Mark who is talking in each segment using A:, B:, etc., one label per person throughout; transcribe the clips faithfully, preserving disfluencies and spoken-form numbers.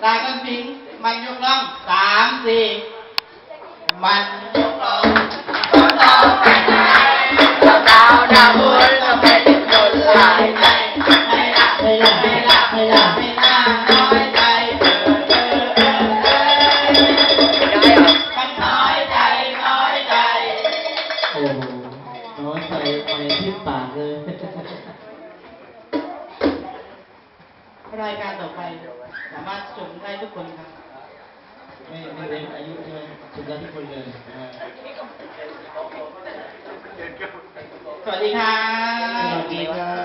A: รายกันพิงมันยกล่องสามสี่มันยกล่องสองสองแปดสาวดาวดาวบุญต้องไปติดจนลายใจไม่ละไม่ละไม่ละไม่ละไม่ละน้อยใจเธอเธอเธอมันน้อยใจน้อยใจ
B: โอ้โหน้อยใจไปที่ปากเลย
A: รายการต่อไปสามารถชมได้ทุกคนครับ
B: ไม่ไม่เว้นอายุใช่ไหมชมได้ทุกคนเลยนะฮะ
A: สวัสดีครับ
B: สวัสดีครับ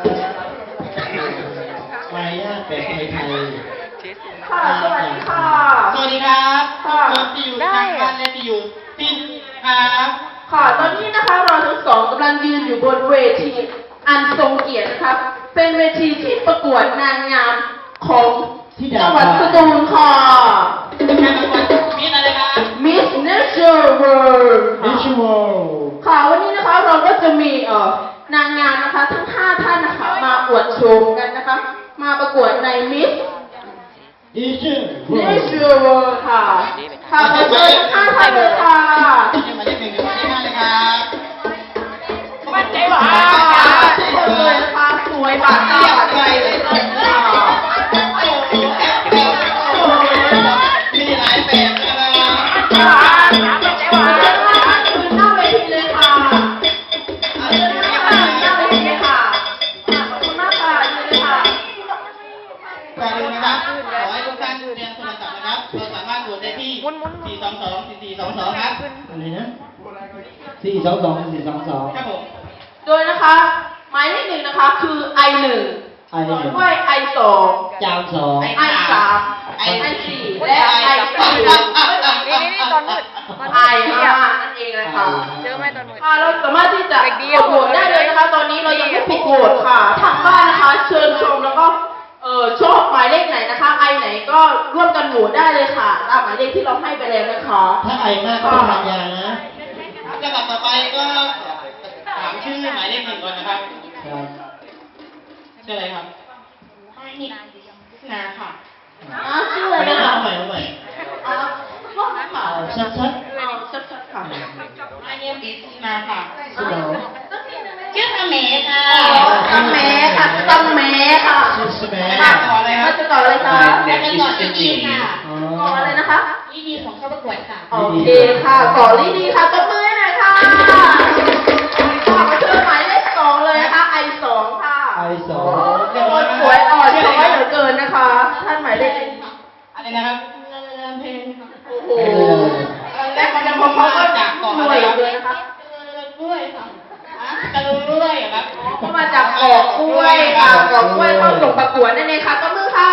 B: มารยาทแบบไทยๆ
C: ค่ะสวัสดีค่ะ
A: สวัสดีครับทุกคนที่อยู่ทางบ้านและที่อยู่ที่นี่ครับ
C: ค่ะตอนนี้นะคะเราทั้งสองกำลังยืนอยู่บนเวทีอันทรงเกียรตินะครับเป็นเวทีที่ประกวดนางงามของจังหวัดสตูลค่ะ
A: การประกวดมิสอะไรครับ
C: Miss Nature World
B: มิชวล
C: ค่ะวันนี้นะคะเราก็จะมีเอ่อนางงามนะคะทั้งห้าท่านนะคะมาอวดโฉมกันนะคะมาประกวดใน Miss Nature World ค่ะค่ะขอเชิญทั้งห้าท่านเลยค่ะ
A: ยังมาได้หนึ่งถึงมาได้ห้าเลยครับ
C: มั่นใจว่าสวยนะคะสวยบาดตาบาดใจเลยค่ะ
A: มีหลายแบบนะค
C: ค่ะมั่นใจว่าคือหน้าเวทีเลยค่ะเอาเลยนะคะหน้าเวทีเลยค่ะขอบคุณมากค่ะยืนเลยค่ะ
A: ก่อนอื่นนะครับขอให้ทุกท่านเตรียมโทรศัพท์นะครับเราสามารถตรวจได้ที่สี่สองสองสี่สี่สองสองครับ
B: อะไรนะสี่สองสองสี่สองสอง
A: ครับผม
C: โดยนะคะหมายเลขหนึ่งนะคะคือ ไอ หนึ่ง
B: ไอหนึ่ง
C: ด้วย ไอ สอง
B: จามสอง
C: ไอ สาม ไอ สี่และไอ สี่
D: นี่นี่ตอนมืด
C: ไอ ห้านั่นเองเลยค่ะ
D: เจอไหมตอนมืด
C: ค่ะเราสามารถที่จะกดโหวตได้เลยนะคะตอนนี้เรายังไม่ปิดโหวตค่ะทางบ้านนะคะเชิญชมแล้วก็เออชอบหมายเลขไหนนะคะไอไหนก็ร่วมกันโหวตได้เลยค่ะตามหมายเลขที่เราให้ไปแล้วนะคะ
B: ถ้าไอมากก็ต้องทานยานะ
A: ลำดับต่อไปก็ถามชื่อหมายเลขหนึ่งก่อนนะครับ
B: ครับ
A: ชื่ออะไรครับนาค่ะ
C: อ๋อชื่ออะไรนะ
B: เอา
C: คะ
B: ใหม่เอาใหม่
C: อ๋อว่าค่ะ
B: ชัดชัด
C: ชัดๆค่ะ
A: My name is นาค่ะ
B: ชื่อเรา
A: ชื่อสเมย์ค่ะ
C: สเมค่ะสเมค่ะ
B: ชื่อสเมย์
A: ค่ะต่อเลยครับ
C: จะต่อเลยค่ะ
A: แล้วก็ต่อที่ดีค่ะ
C: ต่ออะไรนะคะ
A: ที่ดีของเข้าประกวดค่ะ
C: โอเคค่ะต่อลีดีค่ะตบมือหน่อยค่ะต่อมาเชิญหมายเลขสองเลยนะคะ ไอ สองค่ะ
B: ไอสอง
C: สวยอ่อนช้อยเหลือเกินนะคะท่านหมายเลข
A: อะไรนะครับเพลง
C: โอ้โหแรกมันจะพอๆก็จากก่อนเลยเลยนะคะ
A: กล้วยค่ะกระลุยครับ
C: ก็มาจากเกาะกล้วยค่ะเกาะกล้วยเข้าส่งประกวดนั่นเองค่ะตบมือค่ะ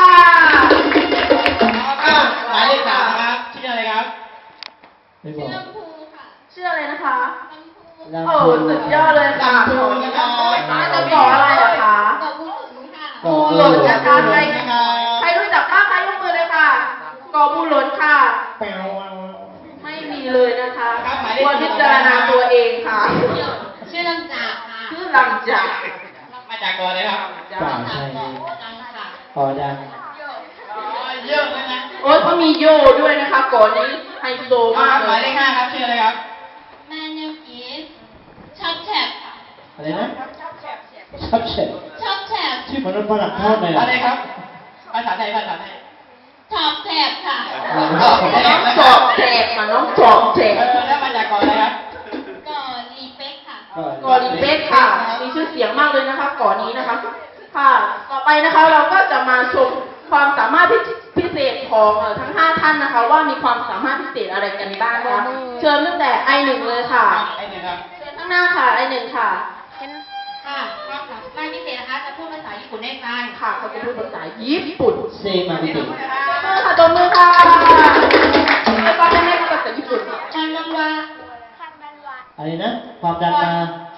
A: หมายเลขสามครับชื่ออะไรครับ
B: ไม่บอก
C: ชื่ออะไรนะคะ
B: ลำ
C: โอ้
B: พูน
C: สุดยอดเลยค่ะ
A: ลำพูนนะครับ
C: จะเกาะอะไรอะคะ
D: เกาะบุหลนค่ะ
C: บูหลนนะคะใครใครรู้จักบ้างใครยกมือเลยค่ะเกาะบูหลนค่ะ
B: แปลว
C: ไม่มีเลยนะคะควรพิจารณาตัวเองค่ะ
D: ชื่อลำจากค่ะ
C: ชื่อลำจาก
A: มาจากก่อนเลยครับ
B: ป่าไทย
D: ดังค่ะ
B: พอดัง
A: เยอะเลยนะ
C: โอ้ยเขามีโย่ด้วยนะคะก่อนนี้ไฮโซมาก
A: หมายเลขห้าครับชื่ออะไรครับ
D: My name is ชอบแฉบค่ะ
B: อะไรนะชอบเฉด
D: ชอบแฉบ
B: ชื่อมนุษย์ฝรั่งทอดเลย
A: อะไรครับภาษาไทยภาษาไทย
D: ชอบแฉบค่ะ
C: น้องจอบแจกมาน้องจอบแจก
A: แล้วมาจากก่อนอะไรครับ
D: ก่อรีเป็กค่ะ
C: ก่อนรีเบคค่ะมีชื่อเสียงมากเลยนะคะก่อนนี้นะคะค่ะต่อไปนะคะเราก็จะมาชมความสามารถพิเศษของทั้งห้าท่านนะคะว่ามีความสามารถพิเศษอะไรกันบ้างนะคะเชิญตั้งแต่ ไอ หนึ่ง เลยค่ะ
A: ไอหนึ่งครับ
C: เชิญข้างหน้าค่ะ ไอ หนึ่ง ค่ะ
D: ค่ะความสามารถพิเศษนะคะจะพูดภาษาญี่ปุ่นได้ฟัง
C: ค่ะเขาจะพูดภาษาญี่ปุ่น
B: เซมาบิติ
C: มือค่ะตบมือค่ะไม่ต้องให้แม่พูดภาษาญี่ปุ่น
D: คันบังวา
B: อะไรนะความดันมา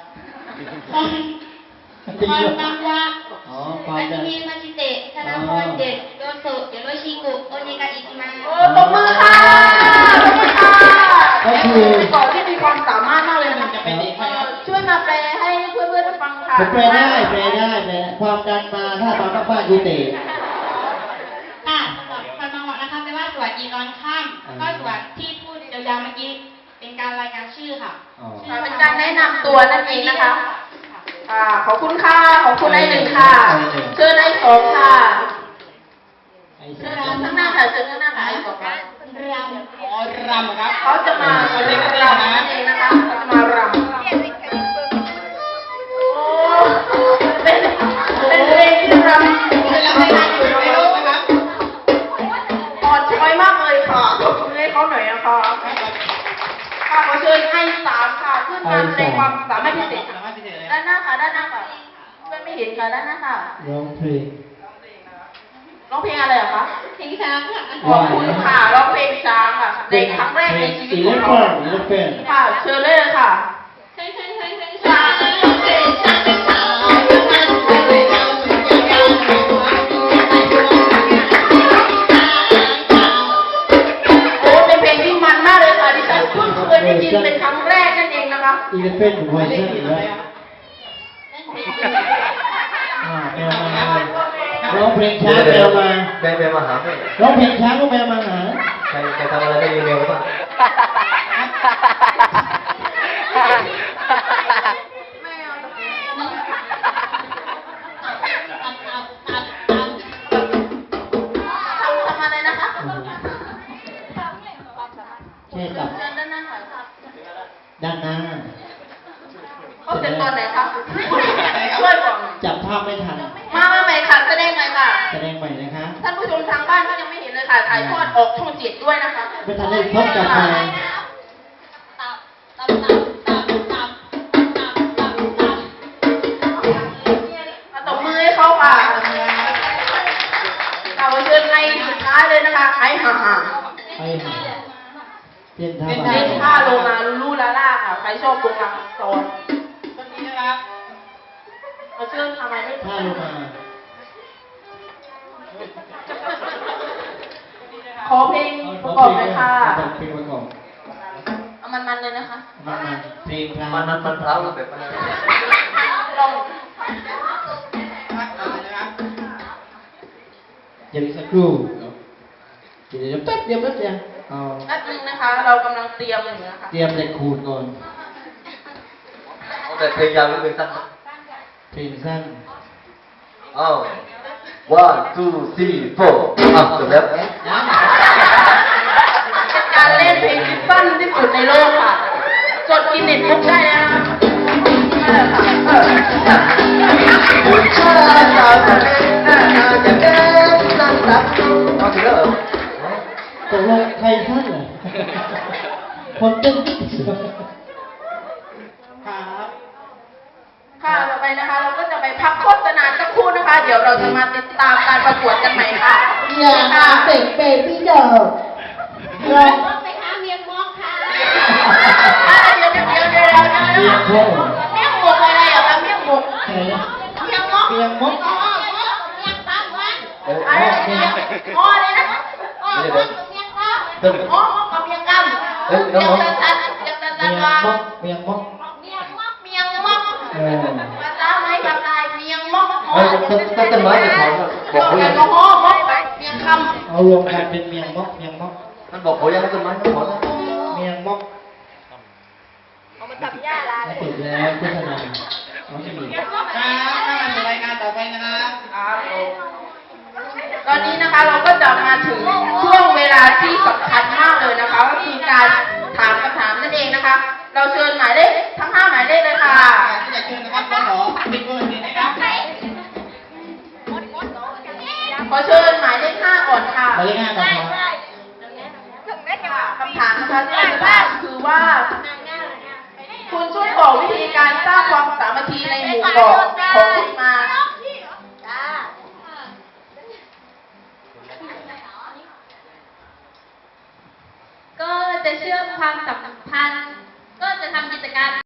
D: คันบังวา
B: อ๋อความ
D: อา
B: ดั
D: จิ
B: น
D: เมะมาจิเตะธนาพรเด็ดโดโซเยโรชิกุโอเนกาอิจิมา
C: โอ้ตบมือค่ะตบมือค่ะก็คือก่อนที่มีความสามารถมากเลยนะ
A: จะเป็นเด็กครับ
C: ช่วยมาแปลให้เพื่อนๆฟังค่ะ
B: ผมแปลได้แปลได้แปลความดันมาถ้าตอนมากๆยูเตะ
D: ค่ะคันบังวานะคะตอนค่ำก็ส่วนที่พูดยาวๆเมื่อกี้เป็นการรายงานชื่อค่ะ
B: อ๋อ
C: ค่ะเป็นการแนะนำตัวนั่นเองนะคะค่ะขอบคุณค่ะขอบคุณไอ้หนึ่งค่ะเชิญไอ้สองค่ะ
B: ไอ้
C: เชิ
B: สา
C: ญ
B: ม
C: ข้างหน้าค่ะเชิญข้างหน้าค่ะไอ้สองค่ะ
D: ร
A: อ๋อรำครับ
C: เขาจะมาเรียนรำนั่นเองนะคะเขาจะมารำโอ้เป็นเป็นเพลงที่รำ
A: เป็นรำในงานอยู่ในโลกนะครับ
C: อ่อนช้อยมากเลยค่ะให้เขาหน่อยนะคะค่ะขอเชิญไอ้สามค่ะขึ้นมาแสดงความสามารถพิเศษ
A: สามารถพิเศษเลย
C: ด้านหน้าค่ะด้านหน้าค่ะเพื่อนไม่เห็นค่ะด้านหน้าค่ะ
B: ร้องเพลง
C: ร้องเพลงอะไรเหรอคะ
D: เพลงช้างค่ะ
C: ขอบคุณค่ะร้องเพลงช้างค่ะในครั้งแรกในชีวิต
B: อี
C: ข
B: เล
C: อง
B: ฟ
C: เขา
B: เฟนอีเลฟเฟน
C: ค่ะเชิญเลยเลยค่ะ
D: ใช่ใช่ใช่ใช่ช้างเพลงช้างเป็นช้าง
C: โอ้เป็นเพลงที่มันมากเลยค่ะดิฉันเพิ่งเคยได้ยินเป็นครั้งแรกนั่นเองนะคะ
B: อีเลฟเฟนเวอร์ชันแล้วอ่าแมวมาร้องเพลงช้างแมวมา
E: แม่แม่มาหาแม่
B: ร้องเพลงช้างก็แมวมาหา
E: ใครใครทำอะไรได้อีเมลบ้าง
C: ทำทำอะไรนะคะ
B: แค่กับ
C: เชิญด้านหน้าค่ะ
B: ด้านหน้า
C: เขาเสร็จตอนไหนคะช่วยก่อน
B: จับภาพไม่ทัน
C: มามาใหม่ค่ะแสดงใหม่ค่ะ
B: แสดงใหม่นะคะ
C: ท่านผู้ชมทางบ้านก็ยังไม่เห็นเลยค่ะถ่ายทอดออกช่องเจ็ดด้วยนะคะ
B: ไม่ทันได้พบกับใคร
C: มาตบมือให้เขาค่ะเราเชิญในสุดท้ายเลยนะคะไอ้ห่าห่า
B: ไอ้ห่าเต้นท่า
C: เป็น
B: บา
C: เล่นท่าโลมาลูลูลาล่าค่ะ ใครชอบโลมาโซน
A: ต้นนี้นะครับ
C: มาเชิญทำไมไม่
B: ท่าโลมา
C: ขอเพลงประกอบเลยค่ะ
B: เพลงประกอบ
C: เอามันๆเลยนะคะ
B: มันมันเพลงพราว
E: มันมันมันพร้าวแบบมัน
C: ลอง
A: นะครับ
B: เดี๋ยวอีกสักครู่เดี๋ยวเดี๋ยวแป๊บเดียวแป๊บเดียวเอา
C: แป๊บนึงนะคะ เรากำลังเตรียมอยู่นะคะ
B: เตรียมเหล็กขูดก่อน
E: แต่เพลงยาวหรือเพลงสั้น
B: เพลงสั้น
E: อ้าว one two three four อ้าวจบแล้ว
C: เป็นการเล่นเพลงที่สั้นที่สุดในโลกค่ะ จดกินเน็ตบุ๊กได้แล้วนะคะเออค่ะเออเออ
E: คุณชาสาวคนนี้หน้าตาจะเด่นสั้นสักเอาถึงแล้วเหรอ
B: ตกลงใครสั้นเหรอคนเต้น
A: ครับ
C: ค่ะต่อไปนะคะ เราก็จะไปพักโฆษณาสักครู่นะคะ เดี๋ยวเราจะมาติดตามการประกวดกันใหม่ค่ะ
B: อย่า
C: ค่ะ
B: เตะเบบี้เดอร์
D: เมียงมอกไหมคะเมียงมอกค่ะ
C: อ่ะเดี๋ยวเดี๋ยวเดี๋ยวเดี๋ยวเดี๋ยว
B: เมียงโค้ง
C: เมี่ยงหมกอะไรเหรอคะเมี่ยงหมก
B: อะไรนะ
C: เมี่ยงมก
B: เมียงมด
D: อ๋อเมียงปากวัน
E: เอ้ย
C: อะไรเมี่ยงอ๋ออะไรนะ
D: อ๋อวันเมียงปาก
E: เติม
C: อ๋อมกกับเมี่ยงกำ
E: เอ้ยน้
C: เมี่ย
E: อง ง
C: ตันตันเมี่ยงตันตั
B: เมี
C: น
B: ยง
C: วาม
B: ดเมียงมด
D: เมียงมอก
C: เมี่ยงมก
B: เออ
C: ภาษาไม้ภาษาเมี่ยงมก
E: เอ้ยต้นต้นต้นไม้จะถอนบอกเขา
C: แอ
E: ยัง
C: ลกอฮอล์มกเมี่ยงคำ
B: เอารวมกันเป็นเมียงมดเมียงมด
E: มันบอกเขายังต้นไม้จะถอนแล้ว
B: เมียงมด
C: เอามาจับหญ้าลา
B: แล้วจบแล้วโฆษณาเอาไม่มี
A: ครับถ้ามาสู่รายการต่อไปนะครับ
C: ครับผมตอนนี้นะคะเราก็จะมาถึงช่วงเวลาที่สำคัญมากเลยนะคะก็คือการถามคำถามนั่นเองนะคะ เราเชิญหมายเลขทั้งห้าหมายเลขเลยค่ะ
A: ที่จะเชิญนะครับขอปิดเบอร์นี้นะครับ
C: ขอเชิญหมายเลขห้าก่อนค่ะ
B: หมายเลขห้าก่อนครับ
C: คำถามนะคะที่เราจะถามคือว่า คุณช่วยบอกวิธีการสร้างความสามัคคีในหมู่เกาะของคุณมา
D: ก็จะเชื่อมความสัมพันธ์ ก็จะทำกิจกรรม